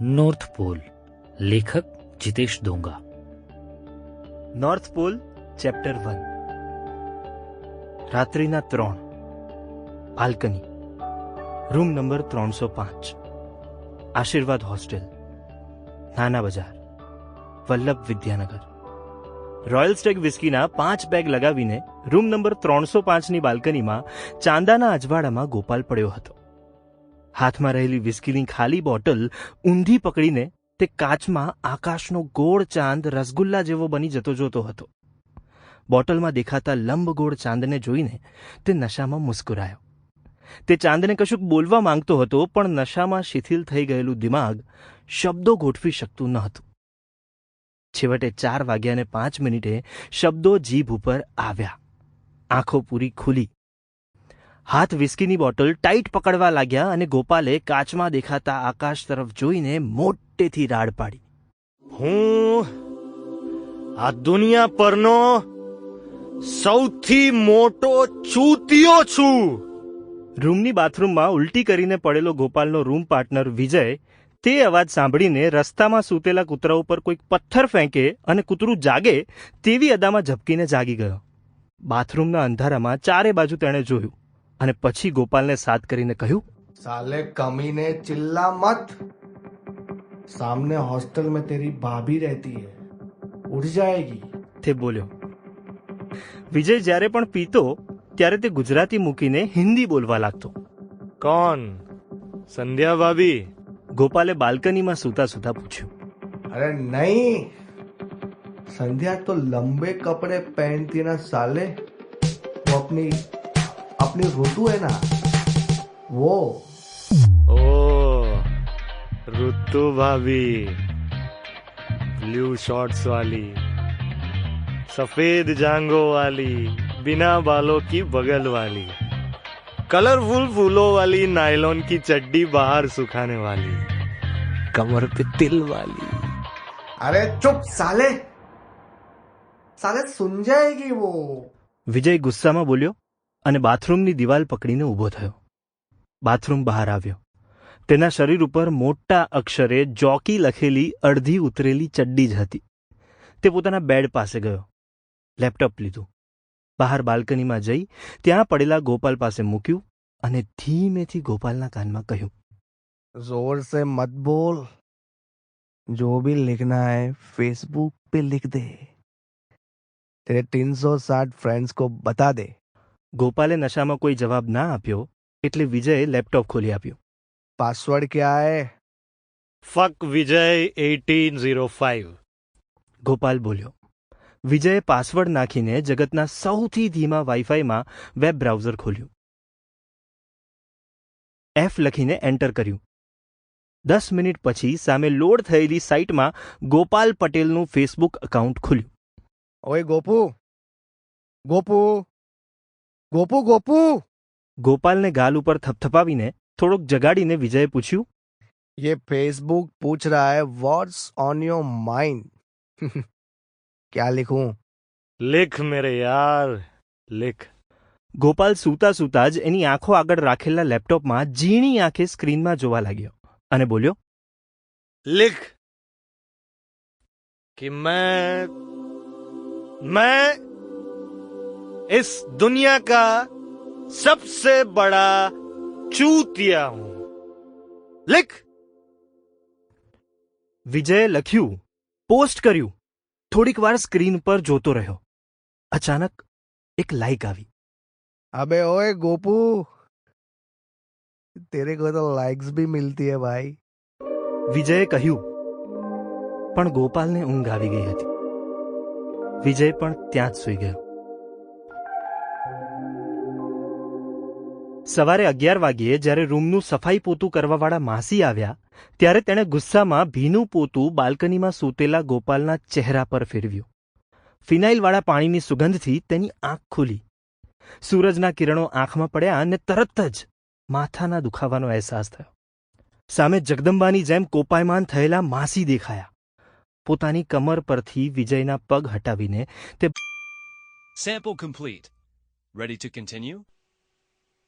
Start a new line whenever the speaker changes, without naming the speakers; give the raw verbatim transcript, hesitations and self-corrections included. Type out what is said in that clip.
North pole, લેખક Jitesh Donga.
North pole chapter one. રાત્રિના ત્રણ. બાલ્કની, રૂમ નંબર ત્રણસો પાંચ. આશીર્વાદ hostel, Nana Bazar, Vallabh Vidyanagar. Royal Stag વિસ્કીના પાંચ બેગ લગાવીને રૂમ નંબર ત્રણસો પાંચની બાલ્કનીમાં ચાંદાના અજવાળામાં ગોપાલ પડ્યો હતો. હાથમાં રહેલી વિસ્કીની ખાલી બોટલ ઊંધી પકડીને તે કાચમાં આકાશનો ગોળ ચાંદ રસગુલ્લા જેવો બની જતો જોતો હતો. બોટલમાં દેખાતા લંબગોળ ચાંદને જોઈને તે નશામાં મુસ્કુરાયો. તે ચાંદને કશુંક બોલવા માંગતો હતો, પણ નશામાં શિથિલ થઈ ગયેલું દિમાગ શબ્દો ગોઠવી શકતું ન હતું. છેવટે ચાર વાગ્યાને પાંચ મિનિટે શબ્દો જીભ ઉપર આવ્યા. આંખો પૂરી ખુલી. હાથ વિસ્કીની બોટલ ટાઈટ પકડવા લાગ્યા અને ગોપાલે કાચમાં દેખાતા આકાશ તરફ જોઈને મોટેથી રાડ પાડી.
હું આ દુનિયા પરનો સૌથી મોટો ચૂતિયો છું.
રૂમની બાથરૂમમાં ઉલટી કરીને પડેલો ગોપાલનો રૂમ પાર્ટનર વિજય તે અવાજ સાંભળીને રસ્તામાં સૂતેલા કૂતરા ઉપર કોઈક પથ્થર ફેંકે અને કૂતરું જાગે તેવી અદામાં ઝબકીને જાગી ગયો. બાથરૂમના અંધારામાં ચારે બાજુ તેણે જોયું અને પછી ગોપાલને સાથ કરીને કહ્યું,
साले कमीने चिल्ला मत. सामने हॉस्टल में तेरी भाभी रहती है, उठ जाएगी.
તે બોલ્યો. વિજય જ્યારે પણ પીતો ત્યારે તે ગુજરાતી મૂકીને હિન્દી બોલવા લાગતો.
કોણ? સંધ્યા ભાભી?
ગોપાલે બાલ્કનીમાં સૂતા સૂતા પૂછ્યું.
अरे नहीं, संध्या तो लंबे कपड़े पहनती है ना साले. वो अपनी अपनी ऋतु है ना, वो.
ओ ऋतु भाभी, ब्लू शॉर्ट्स वाली, सफेद जांगो वाली, बिना बालों की बगल वाली, कलरफुल फूलों वाली, नायलॉन की चड्डी बाहर सुखाने वाली, कमर पे तिल वाली.
अरे चुप साले, साले सुन जाएगी वो.
વિજય ગુસ્સામાં બોલ્યો અને બાથરૂમની દિવાલ પકડીને ઊભો થયો. બાથરૂમ બહાર આવ્યો. તેના શરીર ઉપર મોટા અક્ષરે જોકી લખેલી અડધી ઉતરેલી ચડ્ડી જ હતી. તે પોતાના બેડ પાસે ગયો. લેપટોપ લીધું. બહાર બાલ્કનીમાં જઈ ત્યાં પડેલા ગોપાલ પાસે મૂક્યું અને ધીમેથી ગોપાલના કાનમાં કહ્યું,
जोर से मत बोल. जो भी लिखना है फेसबुक पे लिख दे. तेरे तीन सौ साठ फ्रेंड्स को बता दे.
ગોપાલે નશામાં કોઈ જવાબ ના આપ્યો એટલે વિજયે લેપટોપ ખોલી આપ્યું.
पासवर्ड क्या है?
Fuck Vijay eighteen zero five.
Gopal બોલ્યો. વિજયે પાસવર્ડ નાખીને જગતના સૌથી ધીમા વાઈફાઈમાં વેબ બ્રાઉઝર ખોલ્યું. એફ લખીને એન્ટર કર્યું. દસ મિનિટ પછી સામે લોડ થયેલી સાઇટમાં ગોપાલ પટેલનું ફેસબુક એકાઉન્ટ ખુલ્યું.
ओए गोपू, गोपू, गोपू, गोपू.
ગોપાલને ગાલ ઉપર થપથપાવીને થોડોક જગાડીને વિજયે પૂછ્યું,
ये फेसबुक पूछ रहा है व्हाट्स ऑन योर माइंड. क्या लिखूं?
लिख मेरे यार, लिख.
ગોપાલ સૂતા સૂતા જ એની આંખો આગળ રાખેલા લેપટોપમાં ઝીણી આંખે સ્ક્રીનમાં જોવા લાગ્યો અને બોલ્યો,
लिख कि मैं मैं इस दुनिया का सबसे बड़ा चूतिया हूं. लिख.
વિજયે લખ્યું, પોસ્ટ કર્યું. થોડીક વાર સ્ક્રીન પર જોતો રહ્યો. અચાનક એક લાઈક આવી.
अबे ओए गोपू, तेरे को तो लाइक्स भी मिलती है भाई.
વિજયે કહ્યું, પણ ગોપાલને ઊંઘ આવી ગઈ હતી. વિજય પણ ત્યાં જ સૂઈ ગયો. સવારે અગિયાર વાગ્યે જ્યારે રૂમનું સફાઈ પોતું કરવાવાળા માસી આવ્યા ત્યારે તેણે ગુસ્સામાં ભીનું પોતું બાલ્કનીમાં સૂતેલા ગોપાલના ચહેરા પર ફેરવ્યું. ફિનાઇલવાળા પાણીની સુગંધથી તેની આંખ ખુલી. સૂરજના કિરણો આંખમાં પડ્યા અને તરત જ માથાના દુખાવાનો અહેસાસ થયો. સામે જગદંબાની જેમ કોપાયમાન થયેલા માસી દેખાયા. પોતાની કમર પરથી વિજયના પગ હટાવીને તે
Sample complete. Ready to continue?